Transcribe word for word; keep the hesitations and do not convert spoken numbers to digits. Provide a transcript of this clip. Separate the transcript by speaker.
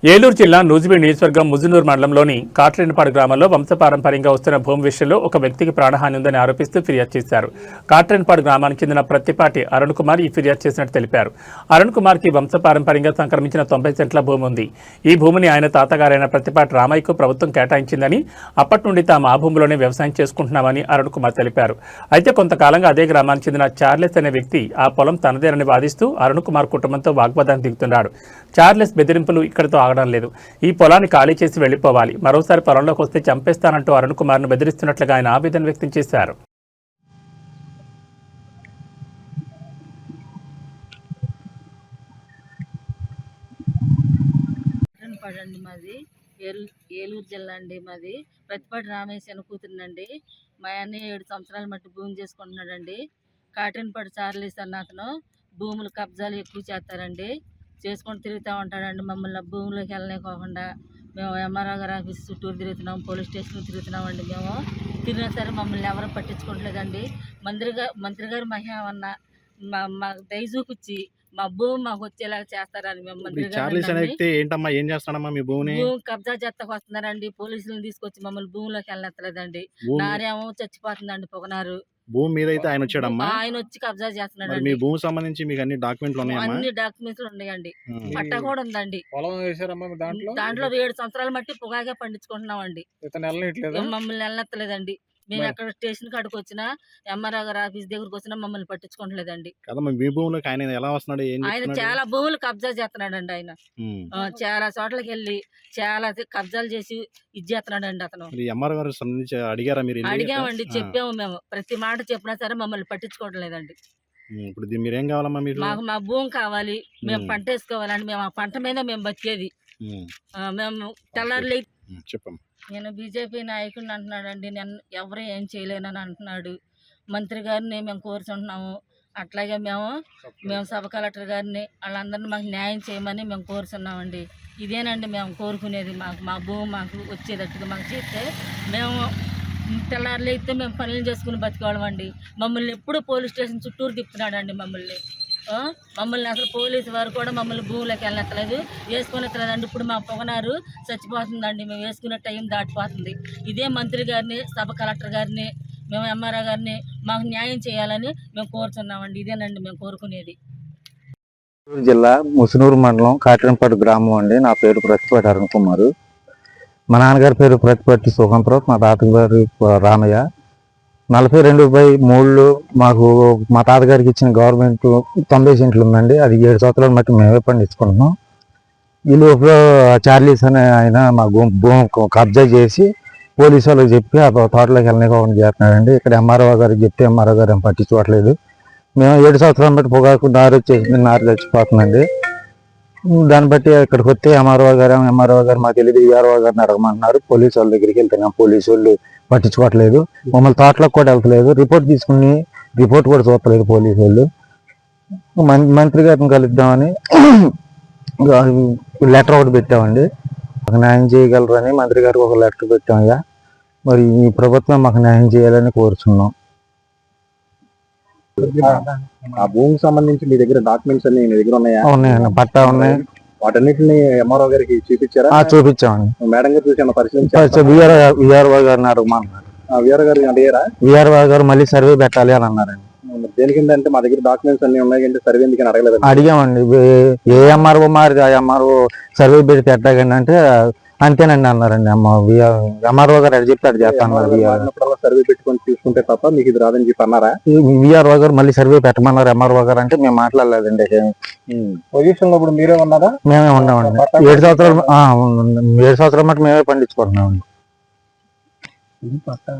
Speaker 1: ఏలూరు జిల్లా నూజివీడు నియోజకవర్గం ముజునూరు మండలంలోని కాట్రేనిపాడు గ్రామంలో వంశపారంపర్యంగా వస్తున్న భూమి విషయంలో ఒక వ్యక్తికి ప్రాణహాని ఉందని ఆరోపిస్తూ ఫిర్యాదు చేశారు. కాట్రేనిపాడు గ్రామానికి చెందిన ప్రత్తిపాటి అరుణ్ కుమార్ ఈ ఫిర్యాదు చేసినట్టు తెలిపారు. అరుణ్ కుమార్ కి వంశపారంపర్యంగా సంక్రమించిన తొంభై సెంట్ల భూమి ఉంది. ఈ భూమిని ఆయన తాతగారైన ప్రత్తిపాటి రామయ్యకు ప్రభుత్వం కేటాయించిందని, అప్పటి నుండి తాము ఆ భూమిలోనే వ్యవసాయం చేసుకుంటున్నామని అరుణ్ కుమార్ తెలిపారు. అయితే కొంతకాలంగా అదే గ్రామానికి చెందిన చార్లెస్ అనే వ్యక్తి ఆ పొలం తనదేనని వాదిస్తూ అరుణ్ కుమార్ కుటుంబంతో వాగ్వాదానికి దిగుతున్నాడు. చార్లెస్ బెదిరింపులు ఇక్కడితో లేదు. ఈ పొలాన్ని ఖాళీ చేసి వెళ్లిపోవాలి, మరోసారి పొలంలోకి వస్తే చంపేస్తానంటూ అరుణ్ కుమార్ ను బెదిరిస్తున్నట్లుగా ఆయన ఆవేదన వ్యక్తం చేశారు.
Speaker 2: మాది ఏలూరు జిల్లా అండి. మాది ప్రతిపాటి రామేశ్వర కూతురునండి. మా అన్నయ్య ఏడు సంవత్సరాల మట్టి భూమి చేసుకుంటున్నాడండి. కాటన్పాడు చార్లీస్ అన్న అతను భూములు కబ్జాలు ఎక్కువ చేస్తారండి, చేసుకొని తిరుగుతూ ఉంటాడండి. మమ్మల్ని భూమిలోకి వెళ్ళలేకోకుండా మేము ఎంఆర్ఓ గారి ఆఫీస్ చుట్టూరు తిరుగుతున్నాం, పోలీస్ స్టేషన్ తిరుగుతున్నామండి. మేము తిరిగినా సరే మమ్మల్ని ఎవరు పట్టించుకోవట్లేదండి. మంత్రి గారు మంత్రి గారు మహేమన్న మా మా దయ చూపించి మా భూమి మాకు వచ్చేలాగా చేస్తారని మేము మంత్రి గారు భూమి కబ్జా చేస్తాకు వస్తున్నారండి. పోలీసులను తీసుకొచ్చి మమ్మల్ని భూమిలోకి వెళ్ళనెత్తలేదండి. నారేమో చచ్చిపోతుందండి పొగనారు.
Speaker 3: భూమి మీద అయితే ఆయన వచ్చాడమ్మా,
Speaker 2: ఆయన వచ్చి కబ్జా చేస్తున్నాడు.
Speaker 3: మీ భూమి సంబంధించి మీకు అన్ని డాక్యుమెంట్లు ఉన్నాయా?
Speaker 2: అన్ని డాక్యుమెంట్లు ఉన్నాయండి, పట్ట కూడా ఉందండి. దాంట్లో ఏడు సంవత్సరాల మట్టి పొగాగా పండించుకుంటున్నామండి. మమ్మల్ని వెళ్ళనెత్తలేదండి. మేము ఎక్కడ స్టేషన్ కాడికి వచ్చినా, ఎంఆర్ఓ గారి ఆఫీస్ దగ్గరకు వచ్చినా మమ్మల్ని పట్టించుకోవట్లేదండి. ఆయన చాలా భూములు కబ్జా చేస్తున్నాడండి. ఆయన చాలా చోట్లకి వెళ్ళి చాలా కబ్జాలు చేసి ఇది చేస్తున్నాడండి. అతను అడిగామండి, చెప్పాము మేము. ప్రతి మాట చెప్పినా సరే మమ్మల్ని పట్టించుకోవట్లేదండి.
Speaker 3: ఇప్పుడు మీరేం కావాలమ్మా?
Speaker 2: మాకు మా భూమి కావాలి, మేము పంట వేసుకోవాలండి. మేము ఆ పంట మీద మేము బతికేది. మేము తెల్లారులే
Speaker 3: చెప్పండి.
Speaker 2: నేను బీజేపీ నాయకుడిని అంటున్నాడండి. నేను ఎవరు ఏం చేయలేనని అంటున్నాడు. మంత్రి గారిని మేము కోరుచుంటున్నాము. అట్లాగే మేము మేము సబ్ కలెక్టర్ గారిని వాళ్ళందరినీ మాకు న్యాయం చేయమని మేము కోరుచున్నామండి. ఇదేనండి మేము కోరుకునేది. మాకు మా భూమి మాకు వచ్చేటట్టుగా మాకు చేస్తే మేము తెల్లారులు అయితే మేము పనులు చేసుకుని బతికోవాలండి. మమ్మల్ని ఎప్పుడు పోలీస్ స్టేషన్ చుట్టూరు తిప్పుతున్నాడండి. మమ్మల్ని మమ్మల్ని అసలు పోలీసు వారు కూడా మమ్మల్ని భూమిలోకి వెళ్ళనెత్తలేదు, వేసుకుని ఎత్తలేదండి. ఇప్పుడు మా పొగనారు చచ్చిపోతుందండి. మేము వేసుకునే టైం దాటిపోతుంది. ఇదే మంత్రి గారిని, సబ్ కలెక్టర్ గారిని, మేము ఎంఆర్ఓ గారిని మాకు న్యాయం చేయాలని మేము కోరుతున్నామండి. ఇదేనండి మేము కోరుకునేది.
Speaker 4: జిల్లా ముసునూరు మండలం కాటన్పాడు గ్రామం అండి. నా పేరు ప్రతిపాటి అరుణ్ కుమార్. మా నాన్నగారి పేరు ప్రతిపాటి సుఖంప్రభు, మా తాతగారు రామయ్య. నలభై రెండు బై మూడులో మాకు మా తాతగారికి ఇచ్చిన గవర్నమెంట్ తొంభై సెంట్లు ఉందండి. అది ఏడు సంవత్సరాల మట్టి మేమే పండించుకుంటున్నాం. ఈ లోపల చార్లీస్ అనే ఆయన మా భూమి కబ్జా చేసి పోలీసు వాళ్ళకి చెప్పి ఆ తోటలోకి వెళ్ళనివ్వకుండా చేస్తున్నాడండి. ఇక్కడ ఎంఆర్ఓ గారికి చెప్తే ఎంఆర్ఓ గారు ఏం పట్టించుకోవట్లేదు. మేము ఏడు సంవత్సరాల బట్టి పొగాకు నారు వచ్చేసింది, నారు చచ్చిపోతుందండి. దాన్ని బట్టి ఇక్కడికి వస్తే ఎంఆర్ఓ గారు ఎంఆర్ఓ గారు మాకు తెలియదు, ఈఆర్ఓ గారిని అడగమంటున్నారు. పోలీసు వాళ్ళ దగ్గరికి వెళ్తున్నాం, పోలీసు వాళ్ళు పట్టించుకోవట్లేదు. మమ్మల్ని తోటలోకి కూడా వెళ్తలేదు. రిపోర్ట్ తీసుకుని రిపోర్ట్ కూడా చూడలేదు పోలీసు వాళ్ళు. మంత్రి గారిని కలుద్దామని లెటర్ ఒకటి పెట్టామండి. మాకు న్యాయం చేయగలరని మంత్రి గారికి ఒక లెటర్ పెట్టామయ్యా. మరి ఈ ప్రభుత్వం మాకు న్యాయం చేయాలని కోరుచున్నాం.
Speaker 3: ఆ భూమికి సంబంధించి మీ దగ్గర డాక్యుమెంట్స్ అన్ని మీ దగ్గర ఉన్నాయా?
Speaker 4: ఉన్నాయండి, పట్టా ఉన్నాయి.
Speaker 3: వాటన్నిటిని ఎంఆర్ఓ గారికి చూపించారా?
Speaker 4: చూపించామండి.
Speaker 3: మేడం గారు చూసి పరిశీలించారు.
Speaker 4: విఆర్ఓ గారిని అడగమన్నారు.
Speaker 3: విఆర్ఓ గారు అడిగారా?
Speaker 4: విఆర్ఓ గారు మళ్ళీ సర్వే పెట్టాలి అని అన్నారండి.
Speaker 3: దేనికిందంటే మా దగ్గర డాక్యుమెంట్స్ అన్ని ఉన్నాయి, సర్వే ఎందుకని అడగలేదు?
Speaker 4: అడిగామండి. ఏ ఎంఆర్ఓ మారి ఆ ఎంఆర్ఓ సర్వే పెట్టి పెట్టాకండి అంటే అంతేనండి అన్నారండి. ఎంఆర్ఓ గారు అది చెప్తే అది చేస్తాను.
Speaker 3: సర్వే పెట్టుకొని చూసుకుంటే తప్ప మీకు ఇది రాదని చెప్పి అన్నారా?
Speaker 4: విఆర్ఓ గారు మళ్ళీ సర్వే పెట్టమన్నారు ఎంఆర్ఓ గారు అంటే మేము మాట్లాడలేదండి.
Speaker 3: పొజిషన్ లో ఇప్పుడు మీరే ఉన్నారా?
Speaker 4: మేమే ఉన్నామండి. ఏడు సంవత్సరాలు ఏడు సంవత్సరాల మటు మేమే పండించుకుంటున్నామండి.